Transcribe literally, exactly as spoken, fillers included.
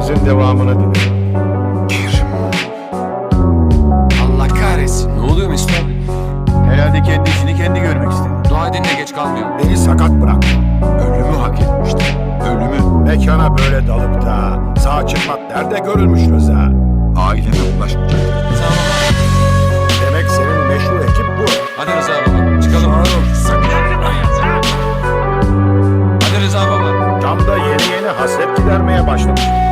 Gecemizin devamını dilerim. Gir. Allah kahretsin. Ne oluyor Mesut abi? Herhalde kendi işini kendi görmek istedi. Dua edin de geç kalmayalım. Beni sakat bırak. Ölümü hak etmişti. Ölümü. Mekana böyle dalıp da sağ çıkmak nerede görülmüş Rıza? Aileme ulaşmayacak. Sağ ol. Demek senin meşhur ekip bu. Hadi Rıza baba. Çıkalım. Hadi Rıza baba. Tam da yeni yeni hasret gidermeye başlamış.